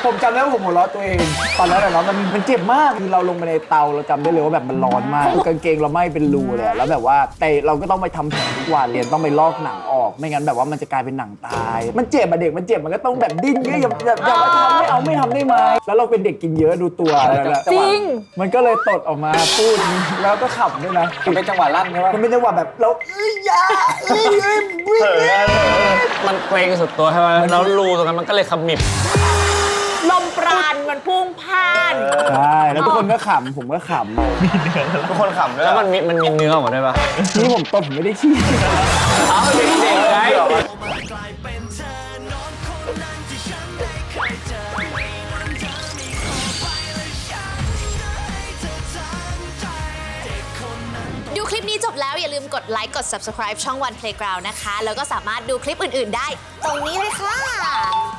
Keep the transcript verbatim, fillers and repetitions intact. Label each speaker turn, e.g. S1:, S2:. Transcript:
S1: ผมจำได้ว่าผมหัวเราะตัวเองตอนนั้นแหละเนาะมันมันเจ็บมากคือเราลงไปในเตาเราจำได้เลยว่าแบบมันร้อนมากกางเกงเราไหม้เป็นรูเลยแล้วแบบว่าแต่เราก็ต้องไปทำแผลทุกวันเรียนต้องไปลอกหนังออกไม่งั้นแบบว่ามันจะกลายเป็นหนังตายมันเจ็บอะเด็กมันเจ็บมันก็ต้องแบบดิ้นอย่าอย่าอย่ามาทำไม่เอาไม่ทำได้ไหมแล้วเราเป็นเด็กกินเยอะดูตัวนั่นแหละ
S2: จริง
S1: มันก็เลยตดออกมาพูดแล้วก็ขับด้วยนะ
S3: มันเป็นจังหวะลั่นใช่ไหม
S1: มันเป็นจังหวะแบบเราเอ้ยยาเอ้ยเอ้ย
S3: เออ
S4: มันเกรงสุดตัวใช่ไหมแล้วรูตรงนั้นมันก็เลยขมิบ
S2: ลมปราณมันพุ่งพ่าน
S1: ใช่แล้วทุกคนก็ขำผมก็ขำ
S3: ทุกคนขำด้วย
S4: แล้วมันมีมันมีเนื้อออกมาด้วยปะ
S1: นี่ผมตดผมไม่ได้ขี้
S4: เอาเด็กๆไง
S5: ดูคลิปนี้จบแล้วอย่าลืมกดไลค์กด ซับสไครบ์ ช่อง วัน เพลย์กราวด์ นะคะแล้วก็สามารถดูคลิปอื่นๆได้ตรงนี้เลยค่ะ